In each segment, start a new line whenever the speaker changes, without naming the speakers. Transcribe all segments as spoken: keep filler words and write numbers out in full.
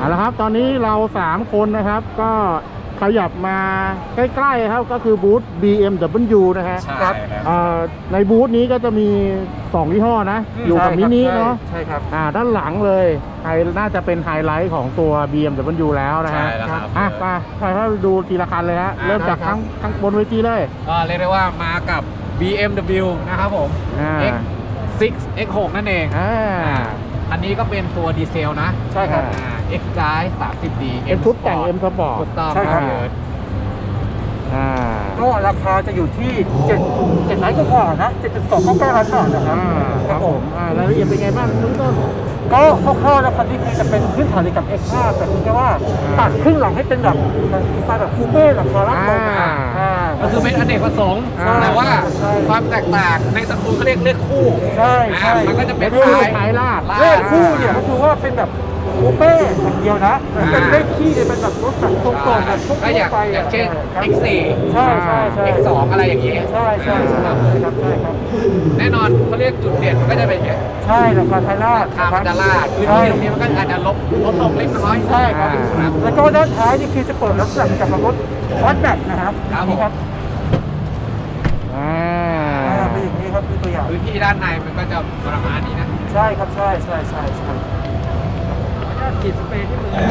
เอาละครับตอนนี้เราสามคนนะครับก็ขยับมาใกล้ๆครับก็คือบูธ บี เอ็ม ดับเบิลยู นะฮะ
ใช่
ครับ
ครับ
อ่าในบูธนี้ก็จะมีสองยี่ห้อนะอยู่กับมินิเนาะ
ใช่ครับ
อ่าด้านหลังเลยไฮน่าจะเป็นไฮไลท์ของตัว บี เอ็ม ดับเบิลยู แล้วนะฮะ
ใช่แล้วครับ
อ่ะมาไปให้ดูทีละคันเลยฮะเริ่มจากข้างข้างบนเวทีเลย
ก็เรียกได้ว่ามากับ บี เอ็ม ดับเบิลยู นะครับผม
อ่า
X ซิกซ์ เอ็กซ์ หก นั่นเอง
อ่า
อันนี้ก็เป็นตัวดีเซลนะ
ใช่ครับ
อ่า X Drive สามสิบดี
เป็นชุดแต่ง M Sport
ถูกต้อง
ใช่ครับ
เอิร์ธ
อ่า
ก็ราคาจะอยู่ที่เจ็ด เจ็ดล้านกว่าๆนะ เจ็ดจุดสองเก้าเก้าล้านบาทนะครับ
อ่าครับผมอ่ารายละเอียดเป็นไงบ้างเริ่มต้น
ก็คร่าวๆนะครับที่คือจะเป็นพื้นฐานเดียวกับ เอ็กซ์ ห้า แต่เพียงแค่ว่าตัดครึ่งหลังให้เป็นแบบดีไซน์แบบคูเป้แบบคาร่าโลงนะ
อ่า
อ่า
ก็คือเป็นอเนกประสงค์
ใช่
แต่ว่า
ใช่
ความแตกต่างในตระกูลเขาเรียกเลขคู่
ใช่ใช่
อ่ามันก็จะเป็น
เลขคู่
ท้าย
ท้ายลาด
ลาด
เลขคู่เนี่ยก็คือว่าเป็นแบบคูเป้อย่างเดียวนะแต่เป็นเลขขี้เนี่ยเป็นแบบรถแบบทรงกลมแบบทั่ว
ก็อย่าง
ไป
อย่างเช่น
ครับ
เอ็กซ์ โฟร์
ใช่ใช่ใช่
เอ็กซ์ ทู อะไรอย่างนี้
ใช่ใช่ใช่
ครับ
ใช่ครับใช่ครับ
แน่นอนเขาเรียกจุดเด่นมันก็จะเป็นอย่างนี้
ใช่ราคาไทยราช
ทางมันจะลาดพื้น
ใช่
ที่ตรงนี้มันก็อาจจะลบลดลงเล็กน้อย
ใช่ครับ
ครับ
แล้วก็ด้านท้ายนี่คือจะเปิดลักษณะเหมือนกับรถวัดแบบนะครับ
ครับ
นี่ครับ
อ่า
อ่าเป็นอย่างนี้ครับคือตัวอย่าง
พื้นที่ด้านในมันก็จะประมาณนี้นะ
ใช่ครับใช่ใช่ใช่ใช่ขีดสเปรย์ที่มือ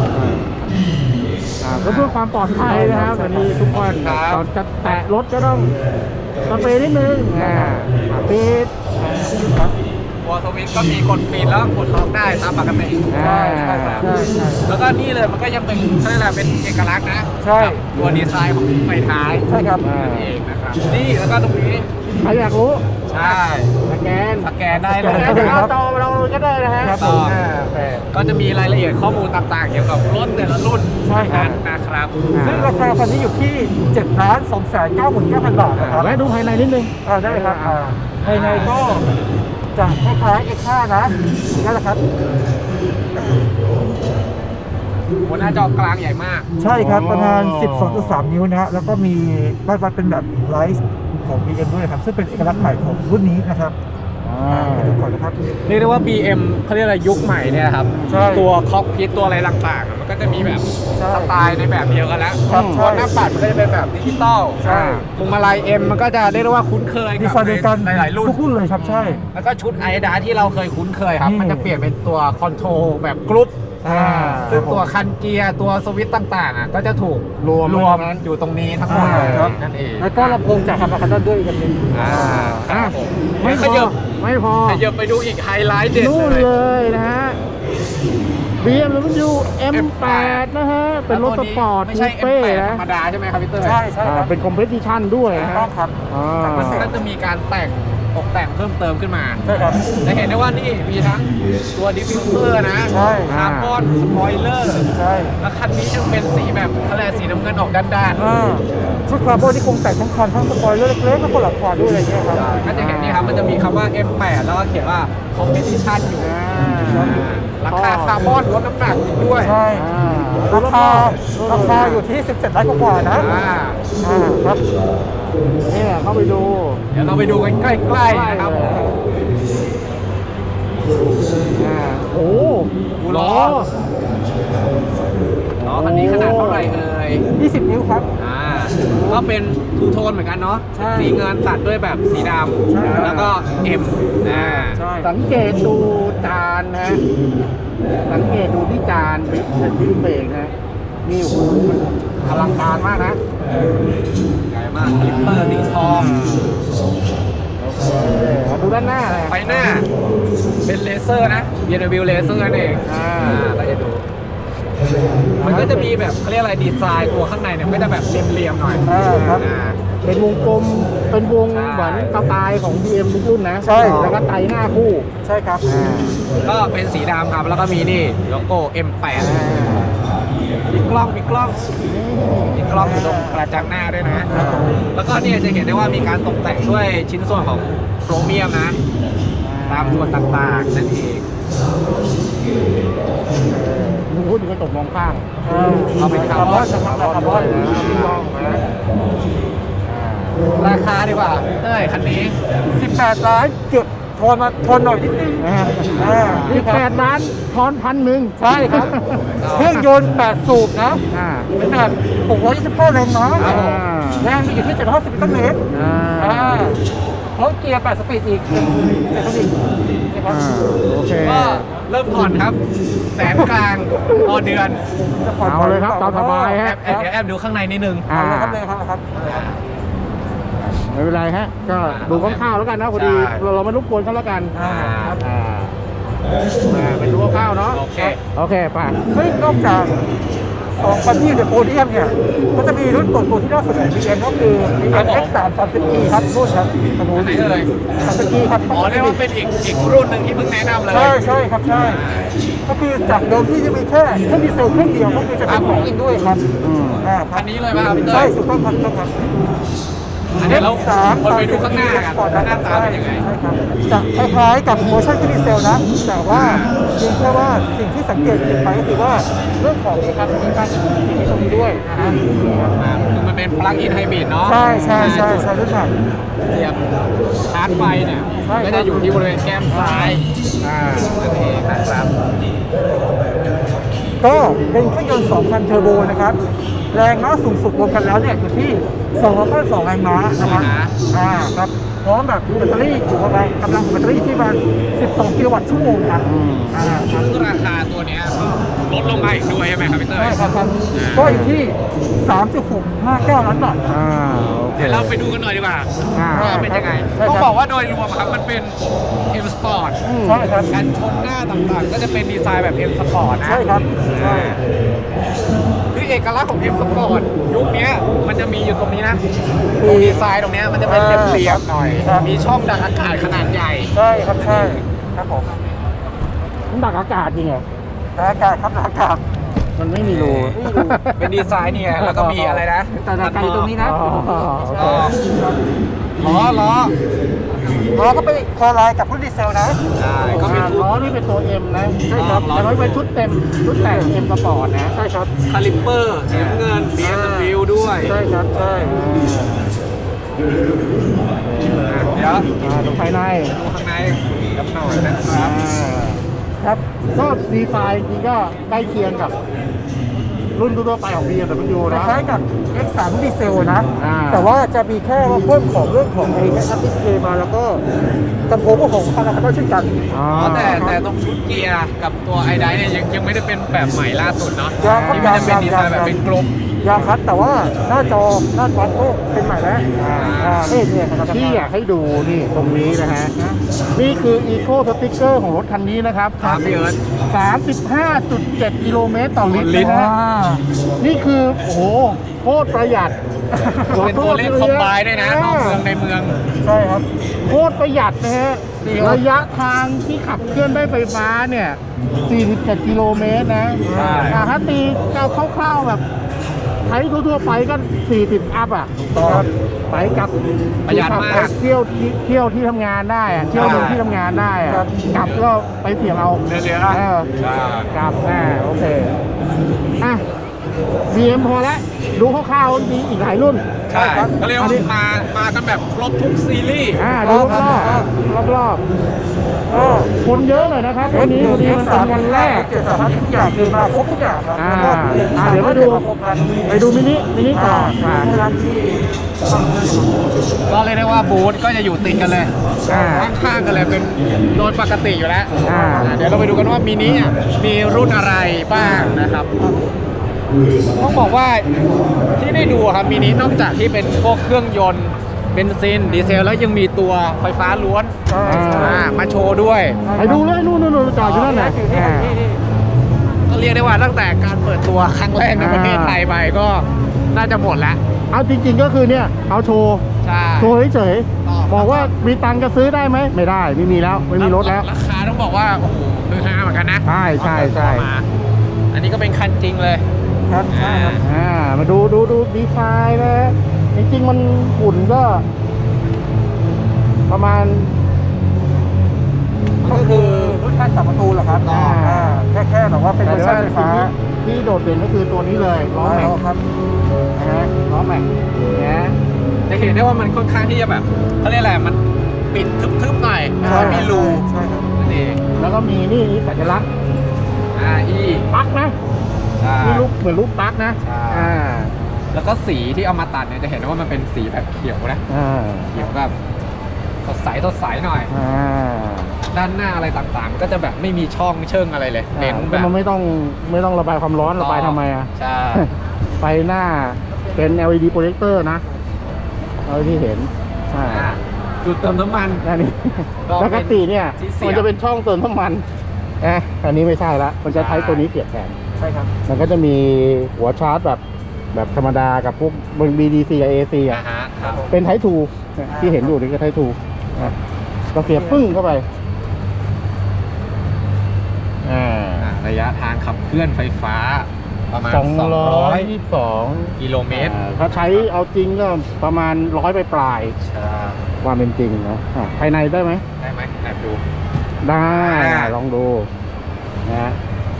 อ่าก็เพื่อความปลอดภัยนะครับวันนี้ทุกคน
ครับ
ตอนจะแตะรถก็ต้องสเปรย์นิดนึงอ่าปิด
วอลสวิตช์ก็มีกดปิดแล้วกดล็อกได้ตามปกติ
ใช่ใช่ครับใช่ใช่
แล้วก็นี่เลยมันก็ยังเป็นเขาเรียกอะไรเป็นเอกลักษณ์นะ
ใช่
กับตัวดีไซน์ของไฟท้าย
ใช่ครับ
นั่นเองนะครับนี่แล้วก็ตรงนี้
ใครอยากรู้
ใช่
สแกน
สแกนได้เล
ส
ย
แกนจากหน้าจอเราก็ได้นะฮะ
ครับ
ผม
อ่าโอเค
ก็จะมีรายละเอียดข้อมูลต่างๆ เกี่ยวกับรถแต่ละรุ่น
ใช่ครับ
นะครับ
ซึ่งราคาคันนี้อยู่ที่เจ็ดล้านสองแสนเก้าหมื่นเก้าพันบาทนะครับ
แวะดูภายในนิดนึง
อ่าได้ครับอ่าภายในก็จะคล้ายๆ เอ็กซ์ ห้า นะนั่นแหละครับ
บนหน้าจอกลางใหญ่มาก
ใช่ครับประมาณ สิบสองจุดสาม นิ้วนะฮะแล้วก็มีบ้านวัดเป็นแบบไลท์ของ บี เอ็ม ด้วยครับซึ่งเป็นเอกลักษณ์ใหม่ของรุ่นนี้นะครับ
อ่า
ไปดูก่อนนะครับ
เรียกได้ว่า บี เอ็ม เขาเรียกอะไรยุคใหม่เนี่ยครับ
ใช่
ตัวคอกพิทตัวอะไรต่างๆอะมันก็จะมีแบบ
ใช่
สไตล์ในแบบเดียวกันแล้ว
ครับ
ตัวหน้าปัดมันก็จะเป็นแบบดิจิตอล
ใช่
พวงมาลัย M มันก็จะเรียกได้ว่าคุ้นเคย
ดี
กับ
ไซน์เดียวกัน
ในหลายๆรุ่น
ทุกรุ่นเลยครับใช่
แล้วก็ชุดไอดาที่เราเคยคุ้นเคยครับ
นี่
มันจะเปลี่ยนเป็นตัวคอนโทรลแบบกรุ๊ป
อ่า
ซึ่งตัวคันเกียร์ตัวสวิตช์ต่างๆอ่ะก็จะถูก
รวม
รวม
ไว้ตรงนั้น
อยู่ตรงนี้ทั้งหมดเลย
ครับ
นั่นเอง
แล้วก็ลำโพงจากคาร์บอนคันด้วยอีกอันหนึง
อ่าครับผม
ไม่
ไม่
พ
ข
อ
ยับ
ไม่พอ
ขยับไปดูอีกไฮไลท์เด็ด
นู่น
เลย
เลยนะฮะ บี เอ็ม ดับเบิลยู เอ็ม แปด นะฮะ เป็นรถสปอร์ต
ไม่ใช่
คูเป้
เอ็มแปด
นะ
ธรรมดาใช่ไหมครับพี่เตอร์
ใช่ใช่
อ่า
ครับ
เป็นคอมเพลติชันด้วย
ถู
นะ
ก
ฮะ
ต้องครับ
อ่า
แต่พิเศษ
ก็จะมีการแต่งตกแต่งเพิ่มเติมขึ้นมา
ใช่ครับ
จะเห็นได้ว่านี่มีทั้งตัวดิฟฟิวเซอร์นะ
ใช่
คาร์บอนสปอยเลอร์
ใช่
แล้วคันนี้ยังเป็นสีแบบอะไรสีน้ำเงินออกด้าน
อ่าชุดคาร์บอนที่คงแต่งทั้งคันทั้งสปอยเลอร์เล็กๆแล้วก็หลังคาด้วยอะไรเงี้ยครับ
ๆก็จะเห็นนี่ครับมันจะมีคำว่า เอ็ม แปด แล้วก็เขียนว่า Competition อยู่
อ่า
อ่าราคาคาร์บอนลดน้ำหนักอีกด้วย
ใช่
อ่า
ราคาราคาอยู่ที่ สิบเจ็ดล้านกว่าๆนะ
อ่า
อ่าครับ
เนี่ยเข้าไปดู
เดี๋ยวเราไปดูกันใกล้ๆนะครับผม
อ่าโอ้โห
ล้อ ล้อคันนี้ขนาดเท่าไหร่เอ่ย
ยี่สิบ นิ้วครับ
อ่าก็เป็นทูโทนเหมือนกันเนาะ
ใช่
สีเงินตัดด้วยแบบสีด
ใช่ครับ
ำแล้วก็ M อ่า
ใช่
สังเกตดูจานนะ สังเกตดูที่จานบิ๊กบิ๊กเบรกนะนี่โอ้โหมันอลังการมากนะ
ใหญ่มากคลิปเปอร์สีทอง
มาดูด้านหน้าเลย
ไฟหน้า เป็นเลเซอร์นะ บี เอ็ม ดับเบิลยู เลเซอร์นั่นเอง
อ่า
เราจะดู มันก็จะมีแบบเขาเรียกอะไรดีไซน์ตัวข้างในเนี่ยมันก็จะแบบเรียมๆหน่อย
อ่าครับ
อ่า
เป็นวงกลม เป็นวง
ใช่
เหมือนสไตล์ของ บี เอ็ม ทุกรุ่นนะ
ใช่
แล้วก็ไตรหน้าคู่
ใช่ครับ
อ่า
ก็เป็นสีดำครับ แล้วก็มีนี่โลโก้ เอ็ม แปด มีกล้อง มีกล้อง มีกล้องอยู่ตรงกระจังหน้าด้วยนะ แล้วก็เนี่ยจะเห็นได้ว่ามีการตกแต่งด้วยชิ้นส่วนของโครเมียมนะ ตามส่วนต่างๆนั่นเอง
มึงพูดถึงกระจกมองข้าง
เอาเป็นคาร์บอน
นะครับคาร์บอน
นะมีกล้องนะ
ราคาดีกว่าเต้ยคันนี้
สิบแปดล้านเกือบทอนมาทอนหน่อยนิดนึง
อ่า
อ่า
อีกแปดล้านทอนพันหนึ่ง
ใช่ครับ เครื่องยนต์แปดสูบนะ
อ่า
เป็นแบบหกร้อยยี่สิบห้าแรงม้า
อ่า
แรงมีอยู่ที่เจ็ดร้อยห้าสิบนิวตันเมตร
อ่า
อ่าเพราะเกียร์แปดสปีดอีกเจ็ดสปีดนะครับ
อ่าโอเค
ก็เริ่มผ่อนครับ แสนกลางต่อเดือน
จะผ่อน
เอาเลยครับตามสบาย
แอ
ฮะ
บแอบเดี๋ยวแอบดูข้างในนิดนึง
อ่า
เอาเลยครับเลยครับครับ
ไม่เป็นไรฮะ ก็ดูคร่าวๆแล้วกันนะพอดี
ใช่
เราเราไม่รบกวนเขาแล้วกัน
อ่าครับ
อ่าอ่าเป็นดูคร่าวๆเนาะ
โอเค
โอเคไป่ะ
ซึ่งนอกจากสองคันที่อยู่ในโพเดียมเนี่ยก็จะมีรุ่นตัวตัวที่น่าสนใจบีเอ็มก็คือบี
ครั
เอ็
บ
ม
ผม
เอ็กซ์สามสามสิบอีครับรุ่นครับขนุ
อันไหนเอ่ย
สามสิบอีครับ
อ๋อเรียกว่าเป็นอีกอีกรุ่นหนึ่งที่เพิ่งแนะนำเลย
ใช่ใช่ครับใช่ก็คือจากเดิมที่จะมีแค่เครื่องดีเซลเครื่องเดียวก็คือจะเป็นของอินด้วยครับ
อืม
อ่าค
คั
รับ
นนี้เลยป่ะครับพี่เต้
ใช่
ย
ถูกต้องครับถูกต้องครับ
อันนี้เรา
สาม
คนไปดูข้างหน้ากันหน้าตาเป็นยังไง
ใช่ครับจะคล้ายๆกับโมชั่นเครื่องดีเซลนะแต่ว่าเพียงแค่ว่าสิ่งที่สังเกตเห็นไปก็คือว่าเรื่องของเอกลักษณ์ในการสิ่งที่ตรงนี้ด้วยนะฮะ
อ่าคือมันเป็นปลั๊กอินไฮบริดเนาะ
ใช่ใช่ใช่ใช่รุ่นใหม่
เสียบชาร์จไฟเนี่ย
ใช่ครับ
ก็จะอยู่ที่บริเวณแก้มซ้าย
อ่า
นั่นเองนะครับ
ก็เป็นเครื่องยนต์สองพันเทอร์โบนะครับ แรงม้าสูงสุดรวมกันแล้วเนี่ยอยู่ที่สองร้อยเก้าสิบสองแรงม้านะครับอ่าครับพร้อมแบบแบตเตอรี่อยู่ประมาณกำลังของแบตเตอรี่ที่ประมาณสิบสองกิโลวัตต์ชั่วโมงครับอ่าครับ
ซึ่งราคาตัวเนี้ยก็ลดลงมาอีกด้วยใช่ไหมครับพี่เต้ย
ใช่ครับครับก็อยู่ที่ สามจุดหกห้าเก้า ล้านบาทครับ
อ่าโอเค
เดี๋ยวเราไปดูกันหน่อยดีกว่า
อ่า
ว่าเป็นยังไง
ใช่ครับ
ต้องบอกว่าโดยรวมครับมันเป็น M Sport
อืม
ใช่ครับ
การชนหน้าต่างๆ ก็จะเป็นดีไซน์แบบ M Sport นะ
ใช่ครับใช่
คือเอกลักษณ์ของ M Sport ยุคเนี้ยมันจะมีอยู่ตรงนี้นะตรงดีไซน์ตรงเนี้ยมันจะเป็นเหลี่ยมๆหน่อย
ครับ
มีช่องดักอากาศขนาดใหญ่
ใช่ครับใช่ครับผม
มันดักอากาศจริงเหรอ
อากาศครับอากาศ
มันไม่มีรู
เป็นดีไซน์เนี่ยแล้วก็มีอะไรนะ
แต่อากาศอยู่ตรงนี้นะ
อ๋อโอ
ล้
เค
อล้อล้อ
ล้อก็เป็นคอไลน์กับรุ่นดีเซลนะ
ใช่ก็
ก็
มี
มี
ทู
ล้อนี่เป็นตัว M นะ
ใช่ครับ
แต่ว่าเป็นชุดเต็ม ชุดแต่ง M สปอร์ตนะ
ใช่ครับ
คาลิปเปอร์สีน้ำเงิน บี เอ็ม ดับเบิลยู ด้วย
ใช่ครับใช่
เดี๋ยว
อ่าดูภายใน
ดูข้างในกันหน่อยนะครับ
อ่า
ครับ
ก็ดีไซน์จริงก็ใกล้เคียงกับ รุ่นทั่วๆไปของ บี เอ็ม ดับเบิลยู
ค
นะ
ล้ายๆกับ เอ็กซ์ สาม ดีเซลนะ
อ่า
แต่ว่าจะมีแค่ว่าเพิ่มของเรื่องของไอ้แอปดิสเพย์มาแล้วก็ลำโพงก็ของคาราคาร์เช่นกัน
อ๋อ
อ๋อแต่แต่ตรงชุดเกียร์กับตัวไอไดเนี่ยยังยังไม่ได้เป็นแบบใหม่ล่าสุดเนาะ
ยังครับ
ที่มันจะเป็นดีไซน์แบบเป็นกลม
ยางคัดแต่ว่าหน้าจอหน้าจอก็เป็นใหม่แล้ว
อ่า
อ่านี่เนี่ยครับ
ที่อยากให้ดูนี่ตรงนี้นะฮะ นี่คือ Eco Sticker ของรถคันนี้นะครับ
ครับพี่เอิร์ธ
สามสิบห้าจุดเจ็ดกิโลเมตรต่อลิตร
ลิตร
นะ
อ่า
ฮะ นี่คือ โอ้โห โคตรประหยัด
เป็นตัวเลขคอมไบน์ด้วยนะนอกเมืองในเมือง
ใช่ครับ
โคตรประหยัดนะฮะ ระยะทางที่ขับเคลื่อนด้วยไฟฟ้าเนี่ยสี่สิบเจ็ดกิโลเมตรนะ
ใช่
อ่าถ้าตีเอาคร่าวๆแบบใช้ทั่วๆไปก็สี่สิบอัพอ่ะ
ต่อ
ไปกลับ
ประหยัดมาก
ขับไปเที่ยวที่เที่ยวที่ทำงานได้อะเที่ยวหนึ่งที่ทำงานได้อะ
ครับ
กลับก็ไปเสี่ยงเอา
เดี๋ยวๆนะ
เออ
ใช่
กลับอ่าโอเคอ่ะ บี เอ็ม พอแล้วดูคร่าวๆมีอีกหลายรุ่น
ใช่ก็เรียกว่ามามากันแบบครบทุกซีรีส์
อ่าดูรอบๆรอบๆ
ก็
คนเยอะหน่อยนะครับวันนี้วันนี้มันเป็นวันแรก
เจ็ดสามทุกอย่างคือมาครบทุกอย่างครับ
อ่า
แล้วก็
อ่าเดี๋ยวมาดู
ครบกัน
ไปดูมินิมินิต่ออ่า
ร้านที่
ก็เรียกได้ว่าบูธก็จะอยู่ติดกันเลย
อ่า
ข้างๆกันเลยเป็นโดยปกติอยู่แล้ว
อ่า
อ่าเดี๋ยวเราไปดูกันว่ามินิอ่ะมีรุ่นอะไรบ้างนะครับต้องบอกว่าที่ได้ดูครับมินินอกจากที่เป็นพวกเครื่องยนต์เบนซินดีเซลแล้วยังมีตัวไฟฟ้าล้วน
ใช่ใช่
อ่ามาโชว์ด้วย
ไปดูเลยนู่นนู่นนู่นจอดอยู่นั่น
นี่
น่ะ
ถือนี่
อ่า
นี่นี่
ก็เรียกได้ว่าตั้งแต่การเปิดตัวครั้งแรกในประเทศไทยไปก็น่าจะหมดแล้ว
เอาจริงๆก็คือเนี่ยเอาโชว์
ใช่
โชว์เฉย
ต่อ
ๆบอกว่ามีตังค์จะซื้อได้ไหมไม่ได้ไม่มีแล้วไม่มีรถแล้ว
ราคาต้องบอกว่าโอ้โหคือฮาเหมือนกันนะ
ใช่ใช่ใช่
มาอันนี้ก็เป็นคันจริงเลย
ครับใช่ครับ
อ่ามาดูดูดูดีไซน์นะจริงๆมันหุ่นก็ ประมาณ
ก็คือรุ่นแค่สามประตูเหรอครับ
อ่า
อ่าแค่แค่แบบว่าเป็นเวอร์ชันไฟฟ้า
ที่โดดเด่นก็คือตัวนี้เลยล้อแม็ก
ครับ
นะฮะล้อแม็กเนี่ย
จะเห็นได้ว่ามันค่อนข้างที่จะแบบเขาเรียกอะไรมันปิดทึบๆหน่อยไม่ค่อยมีรู
ใช่ครับ
นั่นเอง
แล้วก็มีนี่สัญลักษณ์
อ่าอี
ปลั๊กนะ
ใช่
นี่รูปเหมือนรูปปลั๊กนะ
ใช่
อ่า
แล้วก็สีที่เอามาตัดเนี่ยจะเห็นว่ามันเป็นสีแบบเขียวนะ
อ่า
เขียวแบบสดใสสดใสหน่อย
อ่า
ด้านหน้าอะไรต่างๆ ก็จะแบบไม่มีช่องเชิงอะไรเลยเน้นแบ
ก็
บ
มันไม่ต้องไม่ต้องระบายความร้อนระบายทำไมอ่ะ
ใช่
ไฟหน้าเป็น แอล อี ดี โปรเจคเตอร์นะเอาที่เห็นใช่
อ่าจุดเติมน้ำมัน
อันนี้
ก็
ป
เป็น
กติเนี่ย
ที่เสียบ
มันจะเป็นช่องเติมน้ำมันนะอันนี้ไม่ใช่ละมันจะใช้
ใช่
ตัวนี้เสียบแทน
ใช่ครับ
มันก็จะมีหัวชาร์จแบบแบบธรรมดากับพวก บี ดี ซี กับ เอ ซี
อ่า
อ่ะ
ฮะครับ
เป็นไททูที่เห็นอยู่นี่ก็ไททูนะก็เสียบปึ้งเข้าไปอ่า
อ่าระยะทางขับเคลื่อนไฟฟ้าประมาณ
สองร้อยยี่
ส
สิบสอง
กิโลเมตร
ถ้าใช้เอาจริงก็ประมาณร้อยไปปลาย
ใช่
ๆความเป็นจริงนะอ่ะภายในได้ไหม
ได้ไหมแอบดู
ได้
อ่า
ลองดูนะ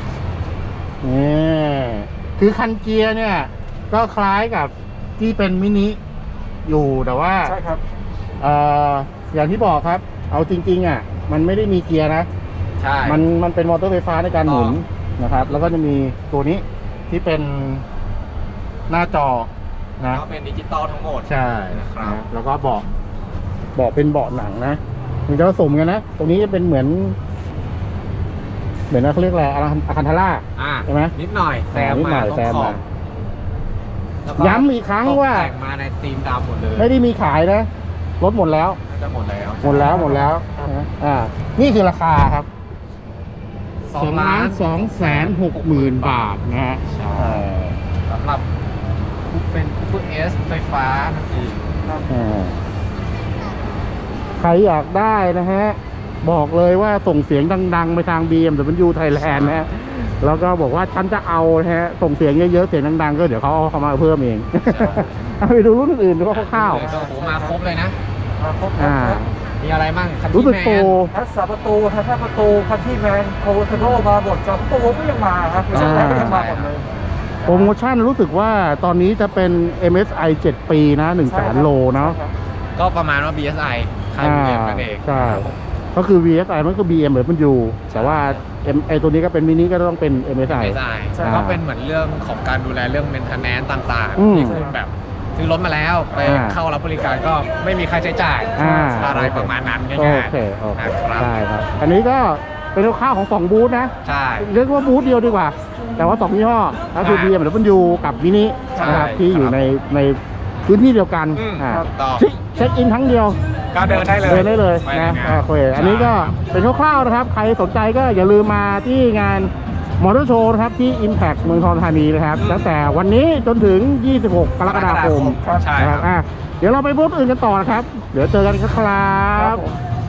นี่คือคันเกียร์เนี่ย ก็คล้ายกับที่เป็นมินิอยู่แต่ว่า
ใช่ครับ
เอ่ออย่างที่บอกครับ เอาจริง ๆ อ่ะ มันไม่ได้มีเกียร์นะ
ใช่
มันมันเป็นมอเตอร์ไฟฟ้าในการหมุน
อ๋
นะครับ แล้วก็จะมีตัวนี้ที่เป็นหน้าจอนะ
ก็เป็นดิจิตอลทั้งหมด
ใช่
นะครับ
นะแล้วก็เบาะเบาะเป็นเบาะหนังนะมันจะผสมกันนะ ตรงนี้จะเป็นเหมือน เหมือนเขาเรียกอะไรอาคันทาร่า
อ่า
ใช่ไหม
นิดหน่อยแซม
นิดหน่
มา
อย
ตรง
แซม
ขอ
มา
บแล้วก็
ย้ำอีกครั้งว่า
ตกแต่งมาในธีมดำหมดเลย
ไม่ได้มีขายนะรถหมดแล้ว
น่าจะหมดแล้ว
หมดแล้วหมดแล้วนะอ่า นี่คือราคาครับ
สองล้าน
สองแสนหกหมื่นบาทนะฮะ
ใช่สำหรับคูปเป็นคูปเอสไฟฟ้านั่นเอง
อ่าใครอยากได้นะฮะ บอกเลยว่าส่งเสียงดัง ๆ ไปทาง บี เอ็ม ดับเบิลยู Thailand นะฮะ แล้วก็บอกว่าฉันจะเอานะฮะ ส่งเสียงเยอะๆ เสียงดัง ๆ ก็เดี๋ยวเขาเอาเข้ามาเพิ่มเอง เอาไปดูรุ่นอื่นๆดูคร่าว
เลยก็โอ้โหมาครบเลยนะ
มาครบ
ๆ
ครั
อ่า
บ
มีอะไรมั่งคัน
รู้
ที่
สึก
แม
โปร
น
ทัศประตูทัศประตูคันที่แมนโคโทโนมาหมดจอมตัวก็ยังมาครับช่วงแรกก็ยังมาหมดเลย
โปรโมชั่นรู้สึกว่าตอนนี้จะเป็น เอ็ม เอส ไอ เจ็ด ปีนะหนึ่งแสนโลเนาะ
ก็ประมาณว่า บี เอส ไอ ค่าย บี เอ็ม นั่นเอง
ใช่ ก็คือ วี เอส ไอ มันก็ บี เอ็ม เหมือนมันอยู่ แต่ว่า M ไอตัวนี้ก็เป็นมินิก็ต้องเป็น เอ็ม เอส ไอ
บี เอส ไอ
ใช่
ก็เป็นเหมือนเรื่องของการดูแลเรื่อง maintenance ต่าง
อืม
ๆ ที่คุณแบบซื้อรถมาแล้วไป
อ่า
เข้ารับบริการก็ไม่มีค่าใช้จ่าย
อ่า
อะไรประมาณนั้น
โอ
ง่าย
เคโอเค
นะครับ
ได้ครับ อันนี้ก็เป็นข้าวของสองบูธนะ
ๆ ใช่
เรียกว่าบูธเดียวดีกว่า แต่ว่าสองยี่ห้อก็คือ
ใช่
บี เอ็ม ดับเบิลยู กับมินิ
ใช่
นะครับที่อยู่
ครับ
ในในพื้นที่เดียวกัน
อืม
อ่า
ถูกต้อง
เช็คเช็คอินทั้งเดียว
ก็เดินได้เลย
เดินได้เลย
ไป
นะ
ใงา
โอเคอันนี้ก็เป็นคร่าวๆนะครับ ใครสนใจก็อย่าลืมมาที่งานมอเตอร์โชว์นะครับที่ Impact เมืองทองธานีนะครับ
อืม
ตั้งแต่วันนี้จนถึง ยี่สิบหก กรกฎาคม
ใช่
นะ
ค
ค
รั
รับ บอ่ะเดี๋ยวเราไปบูธอื่นกันต่อนะครับ เดี๋ยวเจอกันครับ
ครับผม